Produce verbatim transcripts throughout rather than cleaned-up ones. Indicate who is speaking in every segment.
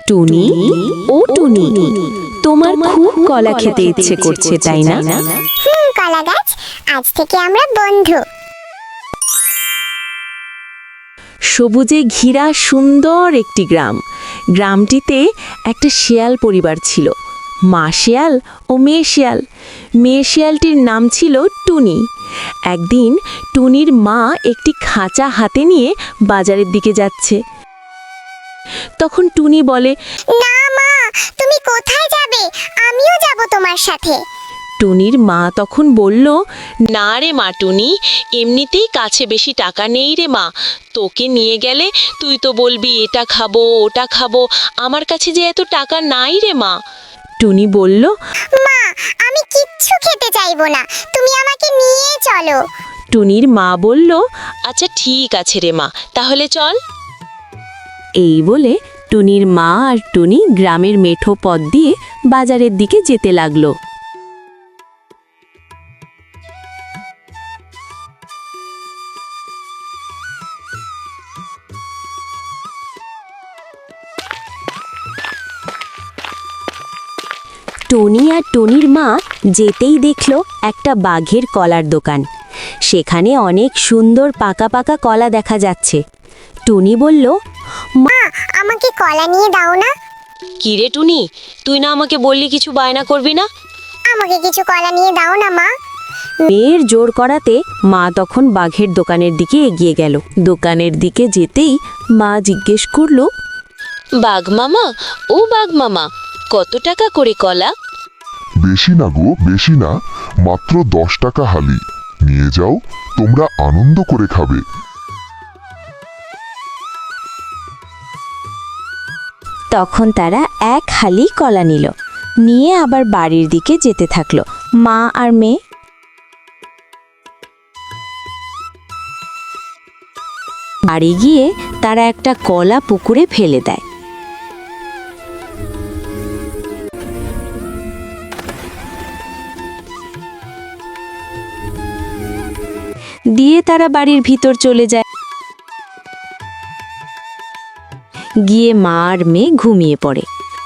Speaker 1: টুনি ও টুনি, তোমার খুব কলা খেতে ইচ্ছে করছে তাই না?
Speaker 2: হুম কলা গাছ, আজ থেকে আমরা বন্ধু।
Speaker 1: সবুজে ঘিরা সুন্দর একটি গ্রাম। গ্রামটিতে একটা শিয়াল পরিবার ছিল, মা শিয়াল ও মেয়ে শিয়াল। মেয়ে শিয়ালটির নাম ছিল টুনি। একদিন টুনির মা একটি খাঁচা হাতে নিয়ে বাজারের দিকে যাচ্ছে। তখন টুনি বলে,
Speaker 2: না মা, তুমি কোথায় যাবে? আমিও যাব তোমার সাথে।
Speaker 1: টুনির মা তখন বলল, না রে মা টুনি, এমনিতেই কাছে বেশি টাকা নেই রে মা, তোকে নিয়ে গেলে তুই তো বলবি এটা খাবো ওটা খাবো, আমার কাছে যে এত টাকা নাই রে মা। টুনি বলল,
Speaker 2: মা, আমি কিচ্ছু খেতে চাইবো না, তুমি আমাকে নিয়ে চলো।
Speaker 1: টুনির মা বলল, আচ্ছা ঠিক আছে রে মা, তাহলে চল। এই বলে টুনির মা আর টুনি গ্রামের মেঠো পথ দিয়ে বাজারের দিকে যেতে লাগলো। টনি আর টনির মা যেতেই দেখল একটা বাঘের কলার দোকান। সেখানে অনেক সুন্দর পাকা পাকা কলা দেখা যাচ্ছে। টুনি বলল,
Speaker 2: মা, আমাকে কলা নিয়ে দাও না।
Speaker 1: কি রে টুনি, তুই না আমাকে বললি কিছু বায়না করবি না?
Speaker 2: আমাকে কিছু কলা নিয়ে দাও না মা।
Speaker 1: মেয়ের জোর করাতে মা তখন বাঘের দোকানের দিকে এগিয়ে গেল। দোকানের দিকে যেতেই মা জিজ্ঞেস করল, বাঘ মামা ও বাঘ মামা, কত টাকা করে কলা?
Speaker 3: বেশি না গো, বেশি না, মাত্র দশ টাকা হালি। নিয়ে যাও, তোমরা আনন্দ করে খাবে।
Speaker 1: তখন তারা এক হালি কলা নিল, নিয়ে আবার বাড়ির দিকে যেতে থাকলো মা আর মেয়ে। বাড়ি গিয়ে তারা একটা কলা পুকুরে ফেলে দেয়। দিয়ে তারা বাড়ির ভিতর চলে যায়। গিয়ে মা আর মেয়ে ঘুমিয়ে পড়ে।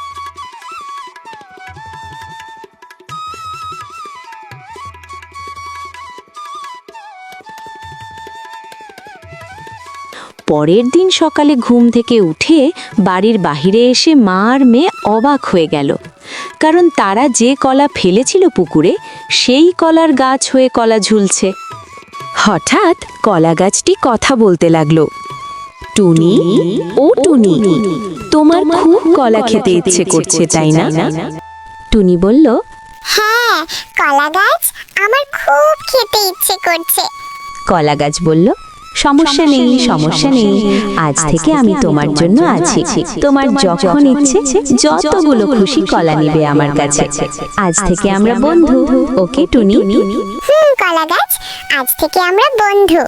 Speaker 1: পরের দিন সকালে ঘুম থেকে উঠে বাড়ির বাহিরে এসে মা আর মেয়ে অবাক হয়ে গেল, কারণ তারা যে কলা ফেলেছিল পুকুরে সেই কলার গাছ হয়ে কলা ঝুলছে। হঠাৎ কলা গাছটি কথা বলতে লাগলো, টুনি ও টুনি, তোমার খুব কলা খেতে ইচ্ছে করছে তাই না? টুনি বলল,
Speaker 2: হ্যাঁ কলা গাছ, আমার খুব খেতে ইচ্ছে করছে।
Speaker 1: কলা গাছ বলল, সমস্যা নেই সমস্যা নেই, আজ থেকে আমি তোমার জন্য আছি, তোমার যখন ইচ্ছে যতগুলো খুশি কলা নিবে আমার কাছে। আজ থেকে আমরা বন্ধু, ওকে টুনি?
Speaker 2: হুম কলা গাছ, আজ থেকে আমরা বন্ধু।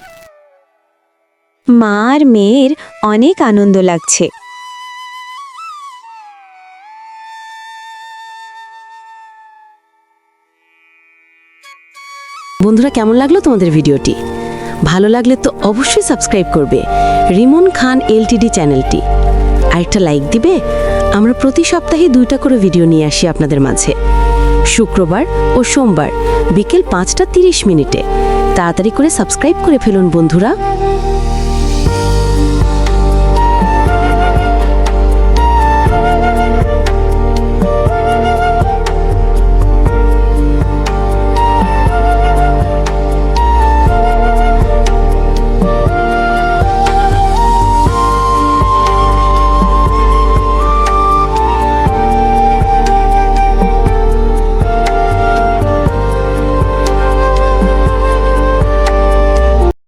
Speaker 1: মা আর মেয়ের অনেক আনন্দ লাগছে। বন্ধুরা, কেমন লাগলো তোমাদের ভিডিওটি? ভালো লাগলে তো অবশ্যই সাবস্ক্রাইব করবে রিমন খান এলটিডি চ্যানেলটি, আর একটা লাইক দিবে। আমরা প্রতি সপ্তাহে দুইটা করে ভিডিও নিয়ে আসি আপনাদের মাঝে, শুক্রবার ও সোমবার বিকেল পাঁচটা তিরিশ মিনিটে। তাড়াতাড়ি করে সাবস্ক্রাইব করে ফেলুন বন্ধুরা।